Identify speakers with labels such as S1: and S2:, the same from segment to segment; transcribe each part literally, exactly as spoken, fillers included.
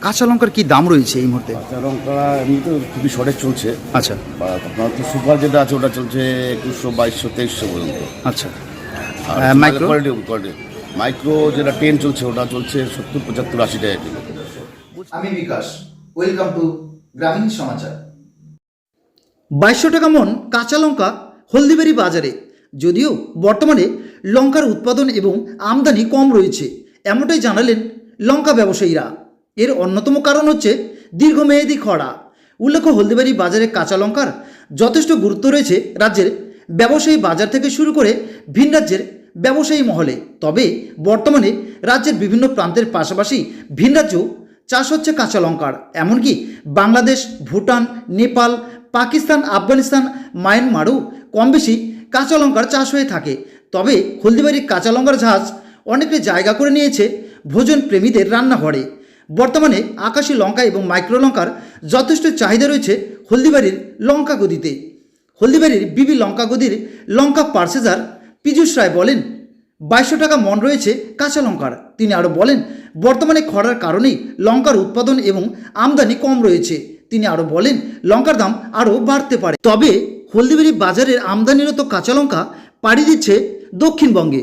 S1: কাঁচা লঙ্কার কি দাম রয়েছে এই মুহূর্তে?
S2: কাঁচা লঙ্কা এমনি তো খুবই শর্টেজ চলছে।
S1: আচ্ছা
S2: বা আপনার তো সুপার যেটা আছে ওটা চলছে একুশশো বাইশশো তেইশশো পর্যন্ত।
S1: আচ্ছা
S2: আর
S1: মাইক্রো
S2: কোয়ালিটি কোয়ালিটি মাইক্রো যেটা টেন চলছে ওটা চলছে সত্তর পঁচাত্তর আশি টাকা কিলো।
S3: আমি বিকাশ, ওয়েলকাম টু গ্রামীণ সমাচার।
S1: বাইশশো টাকা মন কাঁচা লঙ্কা হলদিবাড়ি বাজারে। যদিও বর্তমানে লঙ্কার উৎপাদন এবং আমদানি কম রয়েছে, এমনটাই জানালেন লঙ্কা ব্যবসায়ীরা। এর অন্যতম কারণ হচ্ছে দীর্ঘমেয়াদী খরা। উল্লেখ্য, হলদিবাড়ি বাজারে কাঁচা লঙ্কার যথেষ্ট গুরুত্ব রয়েছে রাজ্যের ব্যবসায়ী বাজার থেকে শুরু করে ভিন রাজ্যের ব্যবসায়ী মহলে। তবে বর্তমানে রাজ্যের বিভিন্ন প্রান্তের পাশাপাশি ভিন রাজ্যেও চাষ হচ্ছে কাঁচা লঙ্কার। এমনকি বাংলাদেশ, ভুটান, নেপাল, পাকিস্তান, আফগানিস্তান, মায়ানমারও কম বেশি কাঁচা লঙ্কার চাষ হয়ে থাকে। তবে হলদিবাড়ির কাঁচা লঙ্কার ঝাঁজ অনেকটা জায়গা করে নিয়েছে ভোজন প্রেমীদের রান্নাঘরে। বর্তমানে আকাশি লঙ্কা এবং মাইক্রো লঙ্কার যথেষ্ট চাহিদা রয়েছে হলদিবাড়ির লঙ্কা গদিতে। হলদিবাড়ির বিবি লঙ্কা গদির লঙ্কা পার্সেজার পীযূষ রায় বলেন, বাইশশো টাকা মন রয়েছে কাঁচা লঙ্কার। তিনি আরও বলেন, বর্তমানে খরার কারণেই লঙ্কার উৎপাদন এবং আমদানি কম রয়েছে। তিনি আরও বলেন, লঙ্কার দাম আরও বাড়তে পারে। তবে হলদিবাড়ি বাজারের আমদানিরত কাঁচা লঙ্কা পাড়ি দিচ্ছে দক্ষিণবঙ্গে।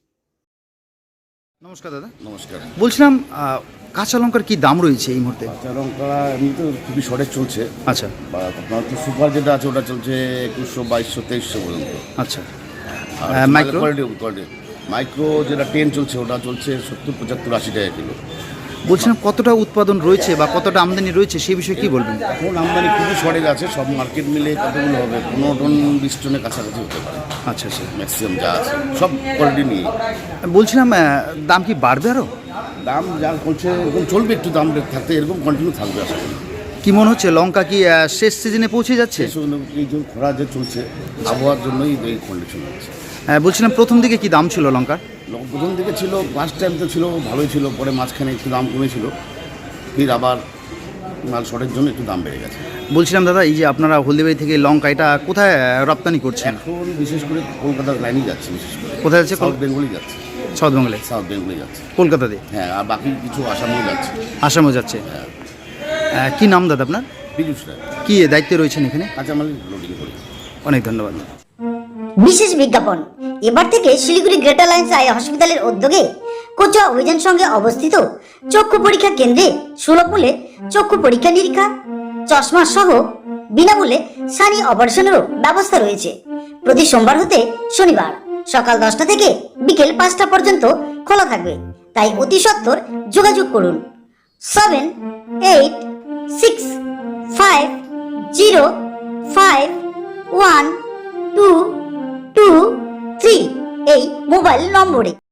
S1: নমস্কার দাদা।
S2: নমস্কার।
S1: বলছিলাম কাঁচা লঙ্কার কি দাম রয়েছে এই মুহূর্তে?
S2: কাঁচা লঙ্কা এমনি তো খুবই শর্টেজ চলছে।
S1: আচ্ছা
S2: বা আপনার তো সুপার যেটা আছে ওটা চলছে একুশশো বাইশশো তেইশশো পর্যন্ত।
S1: আচ্ছা
S2: আর
S1: মাইক্রো
S2: কোয়ালিটি কোয়ালিটি মাইক্রো যেটা টেন চলছে ওটা চলছে সত্তর পঁচাত্তর আশি টাকা কিলো।
S1: বলছিলাম কতটা উৎপাদন রয়েছে বা কতটা আমদানি রয়েছে সেই বিষয়ে কি বলবেন?
S2: এখন আমদানি খুবই শর্টেজ আছে, সব মার্কেট মিলে কতগুলো হবে, পনেরো টন বিশ টনের কাছাকাছি হতে পারে।
S1: আচ্ছা আচ্ছা
S2: ম্যাক্সিমাম যা আছে সব কোয়ালিটি নিয়ে।
S1: বলছিলাম দাম কি বাড়বে আরও?
S2: দাম যা চলছে এরকম চলবে, একটু দাম থাকতে এরকম কন্টিনিউ থাকবে আশা করি।
S1: কি মনে হচ্ছে লঙ্কা কি শেষ সিজনে পৌঁছে যাচ্ছে?
S2: এই যে খরা যে চলছে আবহাওয়ার জন্যই এই কন্ডিশন হচ্ছে।
S1: বলছিলাম প্রথম দিকে কি দাম ছিল লঙ্কার?
S2: প্রথম দিকে ছিল, ফার্স্ট টাইম তো ছিল ভালোই ছিল, পরে মাঝখানে একটু দাম কমেছিল, ফির আবার মাল শর্টের জন্য একটু দাম বেড়ে গেছে।
S1: বলছিলাম দাদা, এই যে আপনারা হলদিবাড়ি থেকে লঙ্কা এটা কোথায় রপ্তানি করছেন?
S2: এখন বিশেষ করে কলকাতার লাইনেই যাচ্ছে, বিশেষ করে
S1: কোথায় যাচ্ছে?
S2: সাউথ বেঙ্গলই যাচ্ছে।
S1: সাউথ বেঙ্গলে?
S2: সাউথ বেঙ্গলে যাচ্ছে
S1: কলকাতাতে?
S2: হ্যাঁ, আর বাকি কিছু আসামেও যাচ্ছে।
S1: আসামও যাচ্ছে?
S2: হ্যাঁ।
S1: কি নাম দাদা আপনার?
S2: পীযূষ রায়।
S1: কি দায়িত্বে রয়েছেন এখানে?
S2: কাঁচামাল লোডিং করি।
S1: অনেক ধন্যবাদ।
S4: বিশেষ বিজ্ঞাপন, এবার থেকে শিলিগুড়ি গ্রেটার লাইন্স আই হসপিটালের উদ্যোগে কোচুয়া অভিযান সঙ্গে অবস্থিত চক্ষু পরীক্ষা কেন্দ্রে সুলভ মূল্যে চক্ষু পরীক্ষা নিরীক্ষা, চশমা সহ বিনামূল্যে সানি অপারেশনেরও ব্যবস্থা রয়েছে। প্রতি সোমবার হতে শনিবার সকাল দশটা থেকে বিকেল পাঁচটা পর্যন্ত খোলা থাকবে, তাই অতি সত্বর যোগাযোগ করুন seven eight six five zero five one two two three এই মোবাইল নম্বরে।